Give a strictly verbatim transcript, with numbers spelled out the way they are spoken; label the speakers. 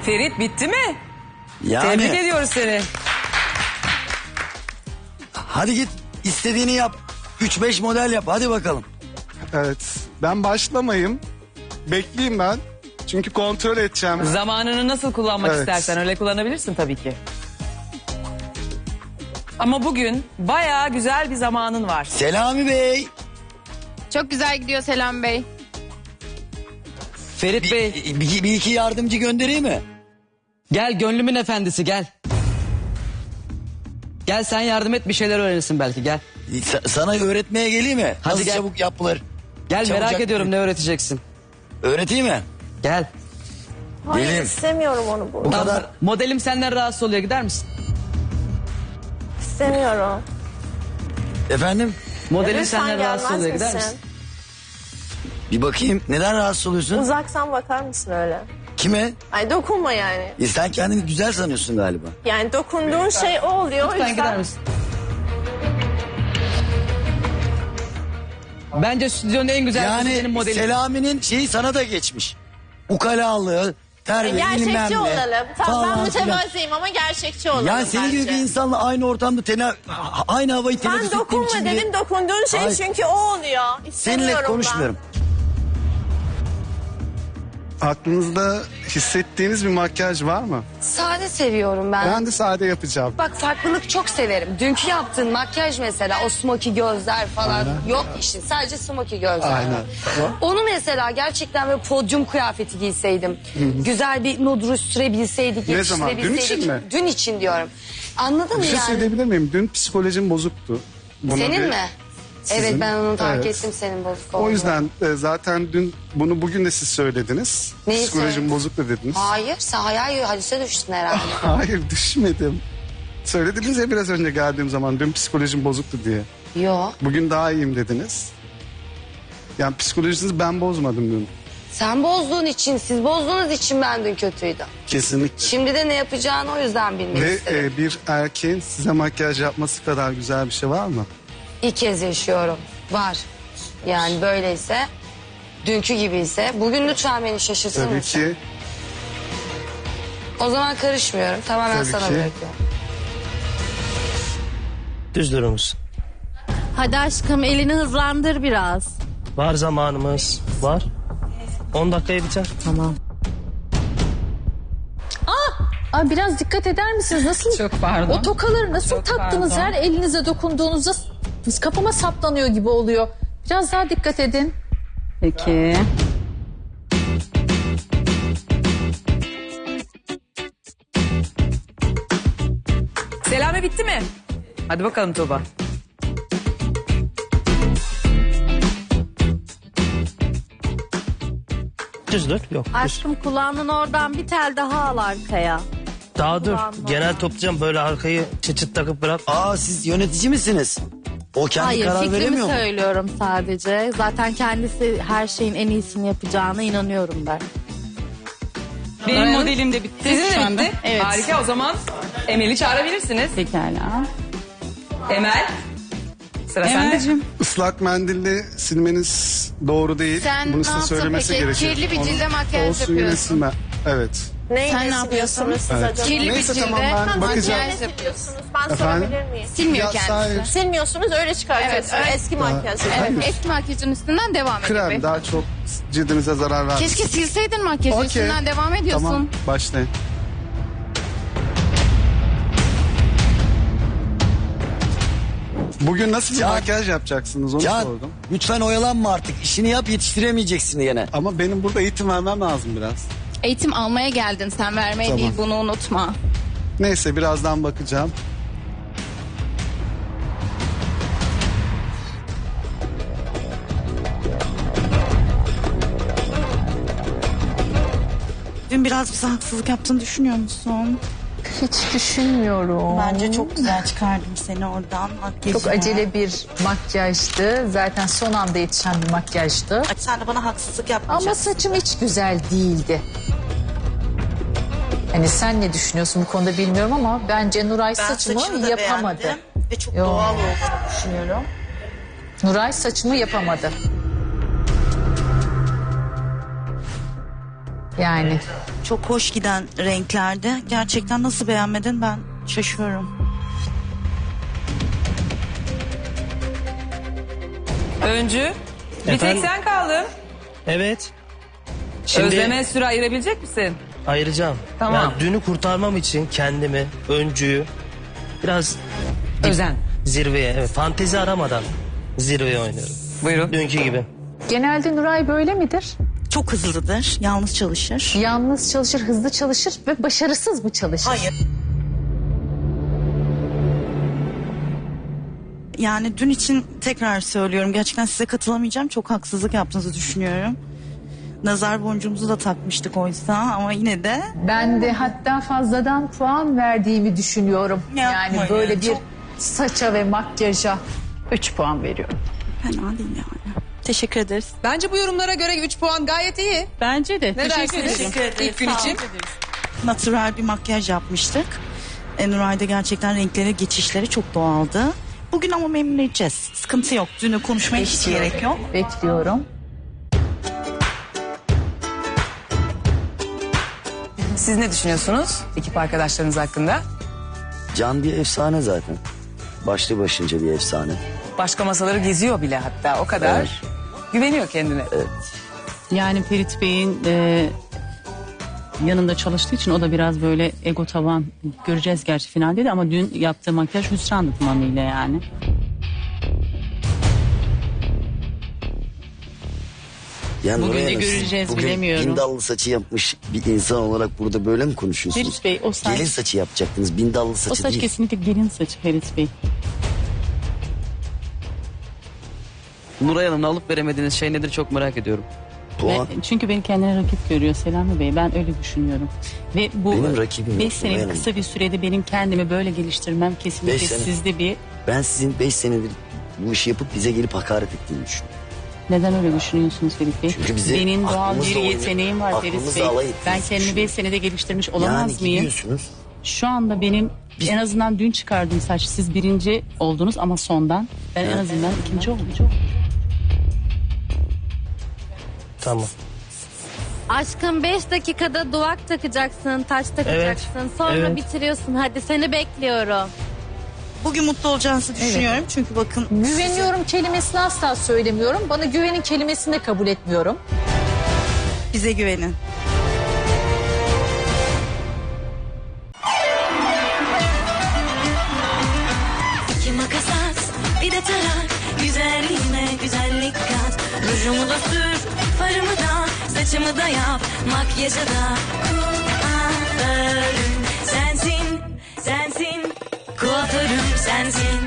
Speaker 1: Ferit bitti mi?
Speaker 2: Yani,
Speaker 1: Tebrik ediyoruz seni.
Speaker 2: hadi git istediğini yap. üç beş model yap hadi bakalım.
Speaker 3: Evet. Ben başlamayayım. Bekleyeyim ben. Çünkü kontrol edeceğim.
Speaker 1: Zamanını nasıl kullanmak
Speaker 3: Evet.
Speaker 1: istersen öyle kullanabilirsin tabii ki. Ama bugün bayağı güzel bir zamanın var.
Speaker 2: Selami Bey.
Speaker 4: Çok güzel gidiyor Selam Bey.
Speaker 5: Ferit
Speaker 2: Bir,
Speaker 5: Bey
Speaker 2: bir, bir iki yardımcı göndereyim mi?
Speaker 5: gel gönlümün efendisi gel. Gel sen yardım et bir şeyler öğrenirsin belki gel.
Speaker 2: Sa- sana öğretmeye geleyim mi?
Speaker 5: Hadi
Speaker 2: Nasıl
Speaker 5: gel.
Speaker 2: çabuk yapılır?
Speaker 5: Gel merak
Speaker 2: Çabucak-
Speaker 5: ediyorum ne öğreteceksin.
Speaker 2: Öğreteyim mi?
Speaker 5: Gel.
Speaker 6: Hayır
Speaker 2: Gelin.
Speaker 6: istemiyorum onu
Speaker 2: Bu
Speaker 6: burada.
Speaker 2: kadar.
Speaker 5: Modelim senden rahatsız oluyor gider misin?
Speaker 6: İstemiyorum.
Speaker 2: Efendim?
Speaker 5: Modelim
Speaker 6: Lütfen
Speaker 5: senden rahatsız
Speaker 6: gelmez
Speaker 5: oluyor gider
Speaker 6: misin?
Speaker 5: misin?
Speaker 2: Bir bakayım neden rahatsız oluyorsun?
Speaker 6: Uzaksan bakar mısın öyle?
Speaker 2: Kime?
Speaker 6: Ay dokunma yani.
Speaker 2: E, sen kendini güzel sanıyorsun galiba.
Speaker 6: Yani dokunduğun şey o oluyor. o
Speaker 5: Lütfen
Speaker 6: yüzden-
Speaker 5: gider misin? Bence stüdyonun en güzel kızı benim
Speaker 2: Yani
Speaker 5: modelim.
Speaker 2: Selami'nin şeyi sana da geçmiş. Ukalalığı, terbiye, bilmem
Speaker 6: Gerçekçi
Speaker 2: ne.
Speaker 6: olalım. Tamam ben
Speaker 2: falan filan.
Speaker 6: mütevazıyım ama gerçekçi olalım
Speaker 2: Yani senin gibi
Speaker 6: bence.
Speaker 2: bir insanla aynı ortamda tena aynı havayı teneffüs
Speaker 6: Ben
Speaker 2: ettiğim
Speaker 6: dokunma
Speaker 2: için
Speaker 6: dedim
Speaker 2: bile-
Speaker 6: dokunduğun şey
Speaker 2: Hayır.
Speaker 6: çünkü o oluyor. İstemiyorum
Speaker 2: Seninle konuşmuyorum.
Speaker 3: Aklınızda hissettiğiniz bir makyaj var mı?
Speaker 7: Sade seviyorum ben.
Speaker 3: Ben de sade yapacağım.
Speaker 7: Bak farklılık çok severim. Dünkü yaptığın makyaj mesela o smokey gözler falan yok işin. Sadece smokey gözler.
Speaker 3: Aynen.
Speaker 7: var. Onu mesela gerçekten böyle podyum kıyafeti giyseydim. Güzel bir nude sürebilseydik,
Speaker 3: Ne zaman? Dün
Speaker 7: yetiştirebilseydik.
Speaker 3: için mi?
Speaker 7: Dün için diyorum. Anladın mı
Speaker 3: Bir şey
Speaker 7: yani?
Speaker 3: söyleyebilir miyim? Dün psikolojim bozuktu. Buna
Speaker 7: Senin
Speaker 3: bir-
Speaker 7: mi?
Speaker 3: Sizin.
Speaker 7: Evet ben onu fark
Speaker 3: Evet.
Speaker 7: ettim senin bozuk olduğunu.
Speaker 3: O yüzden e, zaten dün bunu bugün de siz söylediniz.
Speaker 7: Neyi
Speaker 3: Psikolojim
Speaker 7: söyledim?
Speaker 3: bozuktu dediniz.
Speaker 7: Hayır sen hayal hadise düştün herhalde.
Speaker 3: Hayır düşmedim. Söylediniz ya biraz önce geldiğim zaman dün psikolojim bozuktu diye.
Speaker 7: Yo
Speaker 3: Bugün daha iyiyim dediniz. Yani psikolojinizi ben bozmadım dün.
Speaker 7: sen bozduğun için siz bozduğunuz için ben dün kötüydüm.
Speaker 3: Kesinlikle.
Speaker 7: Şimdi de ne yapacağını o yüzden bilmek
Speaker 3: Ve
Speaker 7: istedim.
Speaker 3: e, bir erkeğin size makyaj yapması kadar güzel bir şey var mı?
Speaker 7: İlk kez yaşıyorum. Var. Yani böyleyse, dünkü gibiyse, bugün lütfen beni şaşırtır
Speaker 3: Tabii
Speaker 7: mısın?
Speaker 3: ki.
Speaker 7: O zaman karışmıyorum. Tamamen
Speaker 3: Tabii
Speaker 7: sana
Speaker 3: ki.
Speaker 7: bırakıyorum.
Speaker 8: Düz durur musun?
Speaker 9: Hadi aşkım elini hızlandır biraz.
Speaker 8: Var zamanımız. Var. on dakikaya biter.
Speaker 9: Tamam. Aa, biraz dikkat eder misiniz? Nasıl?
Speaker 1: Çok pardon.
Speaker 9: O tokaları nasıl
Speaker 1: Çok
Speaker 9: taktınız?
Speaker 1: pardon.
Speaker 9: Her elinize dokunduğunuzda kafama saplanıyor gibi oluyor. Biraz daha dikkat edin.
Speaker 1: Peki. Selami bitti mi? Hadi bakalım Tuğba.
Speaker 8: Düz dur. Yok. Düz.
Speaker 9: Aşkım kulağının oradan bir tel daha al arkaya.
Speaker 8: Daha dur.
Speaker 9: Kulağın
Speaker 8: Genel toplayacağım. Böyle arkayı çıt çıt takıp bırak.
Speaker 2: Aa siz yönetici misiniz? O kendi
Speaker 9: Hayır
Speaker 2: karar
Speaker 9: fikrimi
Speaker 2: veremiyor mu?
Speaker 9: söylüyorum sadece. Zaten kendisi her şeyin en iyisini yapacağına inanıyorum ben.
Speaker 10: Benim modelim de bitti
Speaker 1: Sizin
Speaker 10: şu
Speaker 1: de
Speaker 10: anda.
Speaker 1: bitti.
Speaker 10: Evet.
Speaker 1: Harika o zaman Emel'i çağırabilirsiniz.
Speaker 10: Pekala.
Speaker 1: Emel. Sıra sende.
Speaker 10: Emel'cim.
Speaker 3: Islak mendille silmeniz doğru değil.
Speaker 4: Sen
Speaker 3: Bunu
Speaker 4: ne
Speaker 3: size
Speaker 4: yaptın
Speaker 3: söylemesi
Speaker 4: peki?
Speaker 3: gerekiyor.
Speaker 4: Kirli bir
Speaker 3: Onu-
Speaker 4: cilde makyaj
Speaker 3: olsun yine
Speaker 4: yapıyorsun.
Speaker 3: silme. Evet.
Speaker 6: Neyle
Speaker 4: Sen ne
Speaker 6: siliyorsunuz
Speaker 4: yapıyorsun?
Speaker 6: siz
Speaker 3: Evet.
Speaker 6: acaba?
Speaker 4: Kirli bir
Speaker 3: Neyse,
Speaker 4: cilde
Speaker 3: tamam, ben bakacağım.
Speaker 4: makyaj
Speaker 6: Ne
Speaker 4: yapıyorsun.
Speaker 6: siliyorsunuz? Ben
Speaker 3: Efendim?
Speaker 6: sorabilir miyim?
Speaker 4: Silmiyor
Speaker 3: Ya,
Speaker 4: kendisi.
Speaker 3: hayır.
Speaker 6: Silmiyorsunuz öyle çıkartıyorsunuz.
Speaker 4: Evet, evet.
Speaker 6: Eski makyaj.
Speaker 4: Evet, eski makyajın üstünden devam
Speaker 3: Krem
Speaker 4: ediyor.
Speaker 3: daha çok cildinize zarar vermez.
Speaker 4: Keşke silseydin makyajı
Speaker 3: Okey.
Speaker 4: üstünden devam ediyorsun.
Speaker 3: Tamam başlayın. Bugün nasıl bir
Speaker 2: Can-
Speaker 3: makyaj yapacaksınız onu
Speaker 2: Can
Speaker 3: sordum.
Speaker 2: lütfen oyalanma artık. İşini yap yetiştiremeyeceksin gene.
Speaker 3: Ama benim burada eğitim vermem lazım biraz.
Speaker 4: Eğitim almaya geldin sen vermeye
Speaker 3: Tamam.
Speaker 4: değil bunu unutma.
Speaker 3: Neyse birazdan bakacağım.
Speaker 10: Dün biraz bize haksızlık yaptığını düşünüyor musun?
Speaker 9: Hiç düşünmüyorum.
Speaker 10: Bence çok güzel çıkardım seni oradan. Makyajına.
Speaker 11: Çok acele bir makyajdı. Zaten son anda yetişen bir makyajdı.
Speaker 10: Sen de bana haksızlık yapmayacaksın.
Speaker 11: Ama saçım hiç güzel değildi. Hani sen ne düşünüyorsun bu konuda bilmiyorum ama bence Nuray
Speaker 10: Ben
Speaker 11: saçımı
Speaker 10: saçını da
Speaker 11: yapamadı.
Speaker 10: beğendim ve çok
Speaker 11: Yo.
Speaker 10: doğal olduğunu düşünüyorum.
Speaker 11: Nuray saçımı yapamadı. Yani
Speaker 10: Çok hoş giden renklerde. Gerçekten nasıl beğenmedin ben şaşıyorum.
Speaker 1: Öncü. Bir
Speaker 8: Efendim?
Speaker 1: tek sen kaldın.
Speaker 8: Evet. Şimdi
Speaker 1: Özleme süre ayırabilecek misin?
Speaker 8: ayıracağım.
Speaker 1: Tamam.
Speaker 8: Yani dünü kurtarmam için kendimi, öncüyü biraz
Speaker 1: Özen.
Speaker 8: zirveye, evet, fantezi aramadan zirveye oynuyorum.
Speaker 1: Buyurun.
Speaker 8: Dünkü gibi.
Speaker 11: genelde Nuray böyle midir?
Speaker 10: Çok hızlıdır. Yalnız çalışır.
Speaker 11: Yalnız çalışır, hızlı çalışır ve başarısız mı çalışır?
Speaker 10: Hayır. Yani dün için tekrar söylüyorum. Gerçekten size katılamayacağım. Çok haksızlık yaptığınızı düşünüyorum. Nazar boncuğumuzu da takmıştık oysa ama yine de
Speaker 11: Ben de hatta fazladan puan verdiğimi düşünüyorum.
Speaker 10: Yapma
Speaker 11: yani
Speaker 10: ya,
Speaker 11: böyle bir
Speaker 10: çok-
Speaker 11: saça ve makyaja üç puan veriyorum.
Speaker 10: fena değil yani. Teşekkür ederiz.
Speaker 1: Bence bu yorumlara göre üç puan gayet iyi.
Speaker 10: Bence de.
Speaker 1: Ne dersiniz? İlk gün için.
Speaker 10: Natural bir makyaj yapmıştık. E, Nuray'da gerçekten renkleri, geçişleri çok doğaldı. Bugün ama memnun edeceğiz. Sıkıntı yok. Dünü konuşmaya hiç gerek yok.
Speaker 11: Bekliyorum.
Speaker 1: Siz ne düşünüyorsunuz ekip arkadaşlarınız hakkında?
Speaker 2: Can bir efsane zaten. Başlı başınca bir efsane.
Speaker 1: Başka masaları geziyor bile hatta o kadar.
Speaker 2: Evet.
Speaker 1: Güveniyor kendine.
Speaker 12: Yani Ferit Bey'in e, yanında çalıştığı için o da biraz böyle ego tavan, göreceğiz gerçi finalde de, ama dün yaptığı makyaj hüsrandı tamamıyla yani.
Speaker 2: Yani
Speaker 12: Bugün
Speaker 2: Nuray
Speaker 12: de
Speaker 2: Hanım, siz
Speaker 12: göreceğiz,
Speaker 2: bugün
Speaker 12: bilemiyorum.
Speaker 2: bindallı saçı yapmış bir insan olarak burada böyle mi konuşuyorsunuz?
Speaker 12: Ferit Bey, o saç-
Speaker 2: Gelin saçı yapacaktınız, bindallı saçı
Speaker 12: O saç
Speaker 2: değil.
Speaker 12: kesinlikle gelin saçı Ferit Bey.
Speaker 5: Nuray Hanım'la alıp veremediğiniz şey nedir çok merak ediyorum.
Speaker 2: Puan.
Speaker 12: Ve, çünkü beni kendine rakip görüyor Selami Bey. Ben öyle düşünüyorum. Ve bu
Speaker 2: Benim rakibim
Speaker 12: beş
Speaker 2: yok,
Speaker 12: senelik
Speaker 2: benim.
Speaker 12: kısa bir sürede benim kendimi böyle geliştirmem kesinlikle
Speaker 2: Beş sene.
Speaker 12: sizde bir...
Speaker 2: Ben sizin beş senedir bu işi yapıp bize gelip hakaret ettiğini düşünüyorum.
Speaker 12: Neden öyle düşünüyorsunuz Ferit Bey?
Speaker 2: Çünkü bizi
Speaker 12: Benim doğal
Speaker 2: aklımızla
Speaker 12: bir
Speaker 2: oynuyor-
Speaker 12: yeteneğim var Ferit
Speaker 2: aklımızla
Speaker 12: Bey.
Speaker 2: alay
Speaker 12: Ben
Speaker 2: ettiğinizi
Speaker 12: kendimi beş
Speaker 2: düşünüyorum.
Speaker 12: senede geliştirmiş olamaz
Speaker 2: Yani
Speaker 12: mıyım?
Speaker 2: gidiyorsunuz.
Speaker 12: Şu anda benim en azından dün çıkardığım saç, siz birinci oldunuz ama sondan. Ben en azından ikinci oldum.
Speaker 8: Tamam.
Speaker 6: Aşkım beş dakikada duvak takacaksın, taç takacaksın. Sonra
Speaker 8: evet.
Speaker 6: bitiriyorsun. Hadi seni bekliyorum.
Speaker 10: Bugün mutlu olacağınızı düşünüyorum. Çünkü bakın
Speaker 11: Güveniyorum kelimesini asla söylemiyorum. Bana güvenin kelimesini de kabul etmiyorum.
Speaker 10: bize güvenin.
Speaker 13: İki makas at, bir de tarak. Güzelliğime güzellik kat. Rujumu da sür, farımı da, saçımı da yap. Makyajı da kuaförüm sensin, sensin. Kuaförüm sensin.